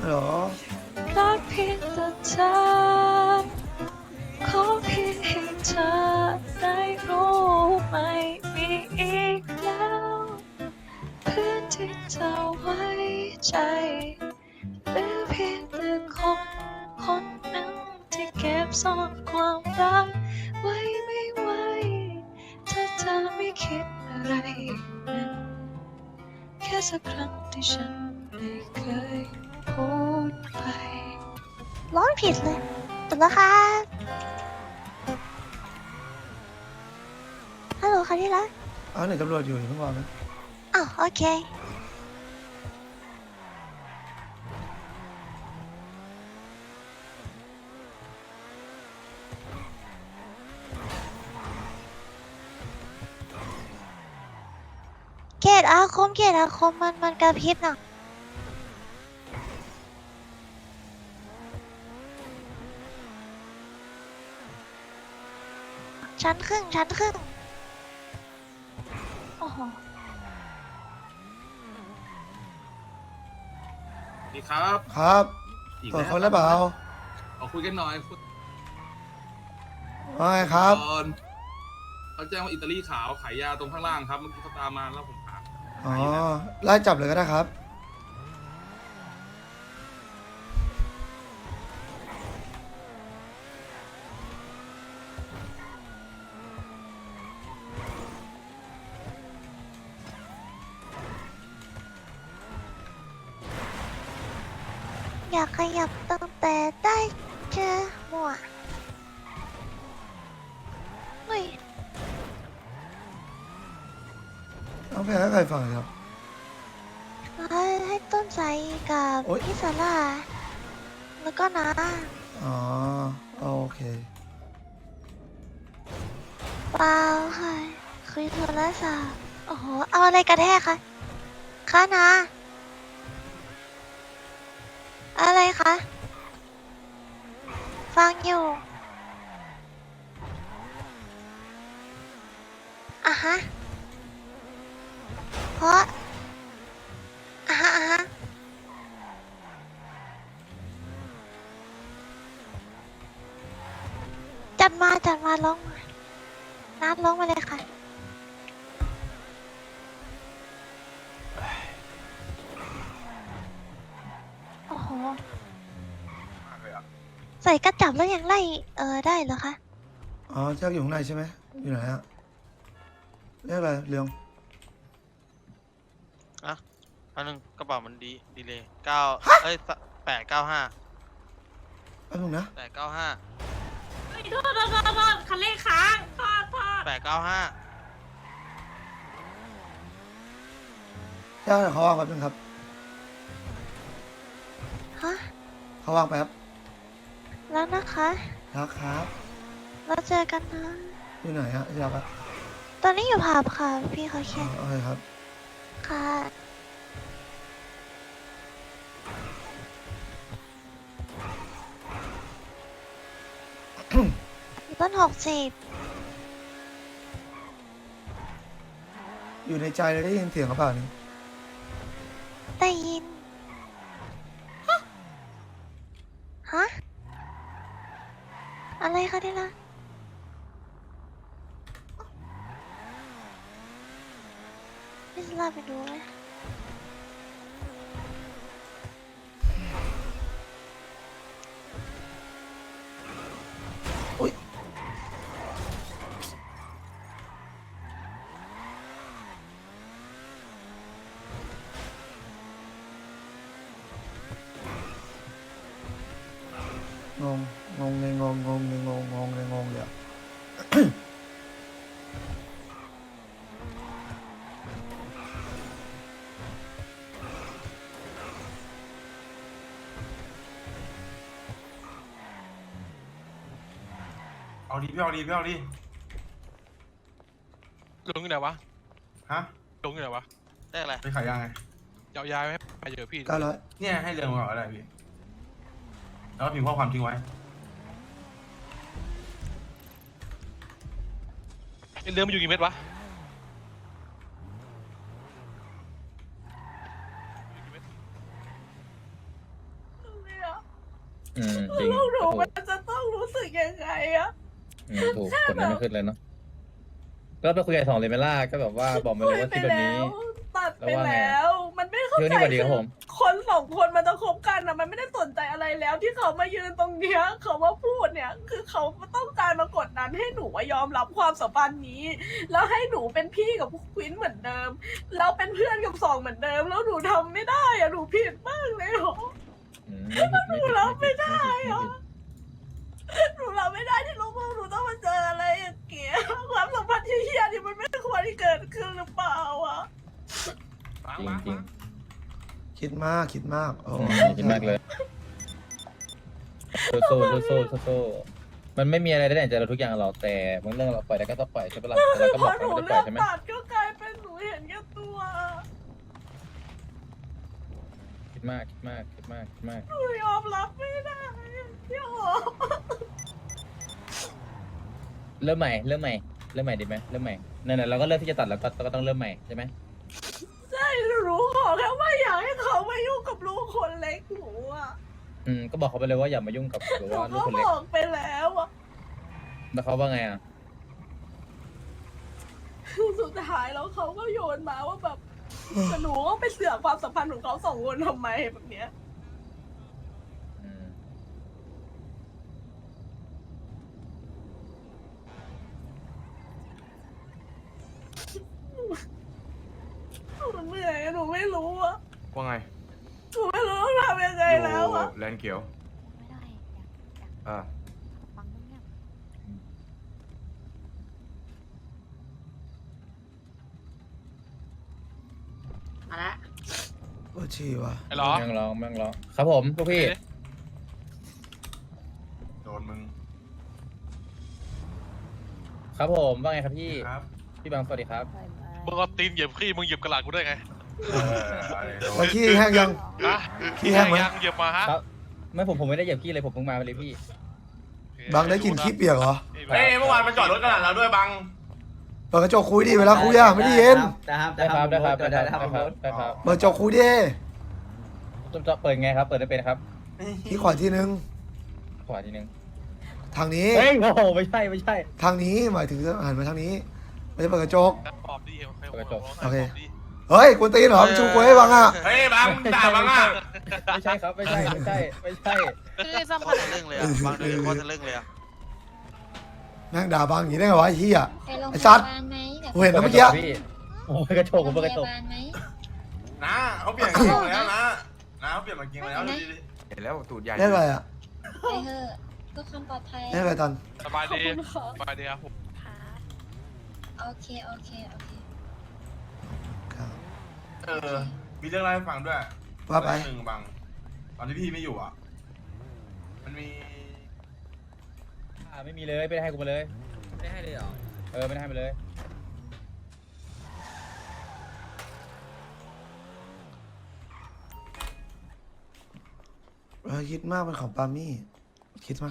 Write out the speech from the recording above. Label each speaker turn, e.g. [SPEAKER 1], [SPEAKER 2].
[SPEAKER 1] เหรอ
[SPEAKER 2] รักเพียงแต่เธอขอเพียงให้เธอได้รู้ไม่มีอีกแล้วเพื่อนที่เธอไว้ใจเหลือเพียงแต่คนนั้นที่เก็บซ่อนความรักไว้ไม่ไหวถ้าเธอไม่คิดอะไรนั้นแค่สักครั้งที่ฉันไม่เคยพูดไปร้องผิดเลยถูกแล้วค่ะฮัลโหลค่ะที่รัก
[SPEAKER 1] หนึ่งตำรวจอยู่เพิ่งบอกนะ
[SPEAKER 2] อ้าวโอเคเกตอาคมมันกระพริบน่ะชั้นครึ่งโอ้โห
[SPEAKER 3] ดีครับ
[SPEAKER 1] ครับ
[SPEAKER 3] อีก
[SPEAKER 1] ตรวจ
[SPEAKER 3] แล้ว
[SPEAKER 1] คนแล้วเปล่า
[SPEAKER 3] ขอคุยกันหน่อยคุย
[SPEAKER 1] ว่าไงครับ
[SPEAKER 3] ก่อนเขาแจ้งว่าอิตาลีขาวขายยาตรงข้างล่างครับเมื่อกี้เขาตามมาแล้วผมหา
[SPEAKER 1] อ๋อ
[SPEAKER 3] หาอยู่นะ
[SPEAKER 1] ไล่จับเลยก็ได้ครับ
[SPEAKER 2] อยากขยับตั้งแต่ได้เจอหมวกเฮ้ย
[SPEAKER 1] เอาไปให้ใครฟังครับ
[SPEAKER 2] ให้ต้นใจกับ
[SPEAKER 1] โอ๊ย
[SPEAKER 2] พี่สาร่าแล้วก็นะ
[SPEAKER 1] อ๋อโอเค
[SPEAKER 2] เปล่าค่ะคุยโทรศัพท์โอ้โหเอาอะไรกระแทกคะคะนะอะไรคะฟังอยู่อ่ะฮะเพราะอ่ะฮะจัดมาร้องมานัดร้องมาเลยค่ะโอ้โหใส่กระจับแล้วยังไล่ได้เหรอคะ
[SPEAKER 1] อ๋อแจ็คอยู่ข้างในใช่ไหมอยู่ไหนฮะเรียกอะไรเรียง
[SPEAKER 4] อะอันนึงกระเป๋ามันดีเลยเอ้ย895
[SPEAKER 1] แป๊บนึงนะ
[SPEAKER 4] 895
[SPEAKER 5] โทษคันเร่งค้างโทษ
[SPEAKER 4] 895
[SPEAKER 1] แจ็คเขาว่างแป๊บนึงครับ
[SPEAKER 2] ฮะ
[SPEAKER 1] เขาว่างแป๊บ
[SPEAKER 2] แล้วนะคะ
[SPEAKER 1] ครับ
[SPEAKER 2] แล้วเจอกันนะ
[SPEAKER 1] อยู่ไหนฮะอยากอะ
[SPEAKER 2] ตอนนี้อยู่ผับค่ะ พี่เขา
[SPEAKER 1] อ๋อ
[SPEAKER 2] แค่
[SPEAKER 1] โอเคครับ
[SPEAKER 2] ค่ะต้น60
[SPEAKER 1] อยู่ในใจเลยได้ยินเสียงเขาเปล่านี่
[SPEAKER 2] ได้ยิน ฮะ อะไรคะที่รักพี่สลาไปดูไหม
[SPEAKER 1] อุ้ยงงงงเลยงงงงเลยงงงงเลยงงเลยอะ
[SPEAKER 3] เอาดีพี่เอาดีพี่เอาดี
[SPEAKER 6] ลงอยู่ไหนวะ
[SPEAKER 3] ฮะ
[SPEAKER 6] ลงอยู่ไหนวะ
[SPEAKER 4] ได้อะไร
[SPEAKER 3] ไปขายยังไง
[SPEAKER 6] ยาวย้ายไว้ไปเจอพี่
[SPEAKER 1] 900
[SPEAKER 3] เนี่ยให้เรื่องมาอะไรพี่แล้วก็พิมพ์ข้อความทิ้งไว้
[SPEAKER 6] เรือมันอยู่กี่เม็ดวะ
[SPEAKER 7] จริง
[SPEAKER 5] ลูกหนู
[SPEAKER 7] ถู
[SPEAKER 5] มั
[SPEAKER 7] ก
[SPEAKER 5] นจะต้องรู้สึกยังไงอะ
[SPEAKER 7] ถูกกดไม่ขึ้นเลยเนาะก็ไปคุยกับสองเลยไหมล่ะก็แบบว่าบอกมา
[SPEAKER 5] คุ
[SPEAKER 7] เลย
[SPEAKER 5] ย
[SPEAKER 7] ว่า
[SPEAKER 5] ไป
[SPEAKER 7] ที่แบบ
[SPEAKER 5] แล้
[SPEAKER 7] นี้
[SPEAKER 5] วตัดไป
[SPEAKER 7] แล้วว่าไง
[SPEAKER 5] แล้ว มันไม่เข้า
[SPEAKER 7] เที่ยว
[SPEAKER 5] ใจ
[SPEAKER 7] นี่สวัสดีครับผม
[SPEAKER 5] คนสองคนมันจะคบกันอะมันไม่ได้สนใจอะไรแล้วที่เขามายืนตรงเนี้ยเขามาพูดเนี่ย คือเขาต้องการมากดดันให้หนูยอมรับความสัมพันธ์นี้ แล้วให้หนูเป็นพี่กับควินเหมือนเดิมแล้วเป็นเพื่อนกับสองเหมือนเดิม แล้วหนูทำไม่ได้อะหนูผิดมากเลยเหรอ
[SPEAKER 7] ไม่ผิด
[SPEAKER 5] รับไม่ได้อะ หนูรับไม่ได้ที่ลูกหนูต้องมาเจออะไรอย่างเงี้ยความสัมพันธ์ที่เฮี้ยนี่มันไม่ควรที่เกิดขึ้นหรือเปล่าอะ
[SPEAKER 7] จริงจริง
[SPEAKER 1] คิดมากคิดมากโอ้
[SPEAKER 7] คิดมากเลยสู้มันไม่มีอะไรได้ในใจเราทุกอย่างหรอกแต่บางเรื่องเราปล่อยได้ก็ต้องปล่อยใช่ปะล่ะแต่เราก็
[SPEAKER 5] พ
[SPEAKER 7] บอ
[SPEAKER 5] อก หนู
[SPEAKER 7] เราไม่ได้ป
[SPEAKER 5] เลื
[SPEAKER 7] ล่
[SPEAKER 5] อ
[SPEAKER 7] อย
[SPEAKER 5] ก
[SPEAKER 7] ใช่ไหม
[SPEAKER 5] ตัดก็กลายเป็นหนูเห็นแก่ตัว
[SPEAKER 7] คิดมาก
[SPEAKER 5] หนูยอมรับไม่ได้พี่หอ
[SPEAKER 7] เริ่มใหม่ดีไหมเริ่มใหม่นั่นแหละเราก็เริ่มที่จะตัดแล้วก็ต้องเริ่มใหม่ใช่ไหม
[SPEAKER 5] ใช่หนูขอแค่ว่าอยากให้เขามายุ่งกับลูกคนเล็กหนูอะ
[SPEAKER 7] ก็บอกเขาไปเลยว่าอย่ามายุ่งกับหรือ
[SPEAKER 5] หนู
[SPEAKER 7] ว่าลู
[SPEAKER 5] ก็
[SPEAKER 7] กคน
[SPEAKER 5] บ
[SPEAKER 7] เล็ก
[SPEAKER 5] อกไปแล้วอะ
[SPEAKER 7] แล้วเขาว่าไงอ่ะ
[SPEAKER 5] สุดท้ายแล้วเขาก็โยนมาว่าแบบแต่หนูก็ไปเสือกความสัมพันธ์ของเขาสองคนทำไมแบบเนี้ย
[SPEAKER 7] อืม
[SPEAKER 5] หนูเหนื่อยหนูไม่รู้อะ
[SPEAKER 8] ว่าไง
[SPEAKER 5] หนูไม่รู้ต้องทำยังไงแล้วอะ
[SPEAKER 8] แลนด์เขียว
[SPEAKER 2] ไม่ได้อยาก
[SPEAKER 8] อ่า
[SPEAKER 2] ฟังเงียบ
[SPEAKER 5] มาละ
[SPEAKER 1] ปวดฉี่ว่ะ
[SPEAKER 6] ไอ้หรอ
[SPEAKER 7] แม่งร้องครับผมพวกพี่
[SPEAKER 8] โดนมึง
[SPEAKER 7] ครับผมว่าไงครับพี่
[SPEAKER 8] ครับ
[SPEAKER 7] พี่บางสวัสดีครับ
[SPEAKER 6] มึงเอาตีนเหยียบขี้มึงเหยียบกระหลาดกูได้ไง
[SPEAKER 1] วันขี้แห้งยัง
[SPEAKER 6] ฮะ
[SPEAKER 1] ขี้แห้งไหม
[SPEAKER 6] ยังเหยียบมาฮะ
[SPEAKER 7] ครับไม่ผมไม่ได้เหยียบขี้เลยผมเพิ่งมาเลยพี่
[SPEAKER 1] บางได้กลินขี้เปียกเหรอ
[SPEAKER 8] เฮ้ยเมื่อวานมันจอดรถกระดาษเราด้วยบัง
[SPEAKER 1] เปิดกระจกคุยดิเวลาคุยอะไม่ได้ยิน
[SPEAKER 7] ได้ครับได้ครับ
[SPEAKER 1] เปิดกระจกคุยดิ
[SPEAKER 7] จะเปิดไงครับ เปิดได้เป็นครับ
[SPEAKER 1] ที่ขวาทีนึง
[SPEAKER 7] ขวาทีนึง
[SPEAKER 1] ทางนี้
[SPEAKER 7] เฮ้ยโอ้โหไม่ใช่
[SPEAKER 1] ทางนี้หมายถึงหันมาทางนี้ไม่ได้เปิดกระจก
[SPEAKER 6] ปอบดี
[SPEAKER 7] เปิดกระจก
[SPEAKER 1] โอเค เฮ้ยกวนตีนเหรอชูคุยให้บังอ่ะ
[SPEAKER 8] เฮ้ยบังด่าบังอ่ะ
[SPEAKER 7] ไม่ใช่ครับไม่ใช่
[SPEAKER 4] คือซ้ำขนาดเรื่องเลยอ่ะบางเรื่องโคตรเรื่องเลยอ่ะ
[SPEAKER 1] แม่งด่าบังอย่างนี้ได้ไงวะไอ้เหี้ย
[SPEAKER 2] ๆไปโรงพ
[SPEAKER 1] ไอ้สัตว์
[SPEAKER 2] ยาบาลไหมเดี๋ยว
[SPEAKER 1] กูเห็นแล้วเมื่อกี้
[SPEAKER 7] พี่โอ้ยกระจกผมเปิดกระจก
[SPEAKER 2] โรงพยาบาลไหม
[SPEAKER 8] นะเขาเปลี่ยนกางเกงแล้วนะเขาเปลี่ยนกางเกงแล้วดูดิ
[SPEAKER 9] เห็นแล้วตูดใหญ่
[SPEAKER 1] เล่นอะไรอ่ะ
[SPEAKER 2] ไปเถอะเพื่อความปลอดภัย
[SPEAKER 1] เล่นอะไรตอน
[SPEAKER 6] สบาย
[SPEAKER 5] ขอบ
[SPEAKER 6] ดี
[SPEAKER 5] คุณค่ะ
[SPEAKER 6] สบายดีครับผม
[SPEAKER 2] โอเค
[SPEAKER 1] ครับ
[SPEAKER 8] มีเรื่องเล่าให้ฟังด้วย
[SPEAKER 1] ว่าไป
[SPEAKER 8] หนึ่งบัง ตอนที่พี่ไม่อยู่อ่ะ มันมี
[SPEAKER 7] ไม่มีเลยไม่ได้ให้กูมาเลย
[SPEAKER 9] ไม่ได้ให้เลยเหรอ
[SPEAKER 7] ไม่ได้ให้มาเลย
[SPEAKER 1] คิดมากเป็นของปามี่คิดมาก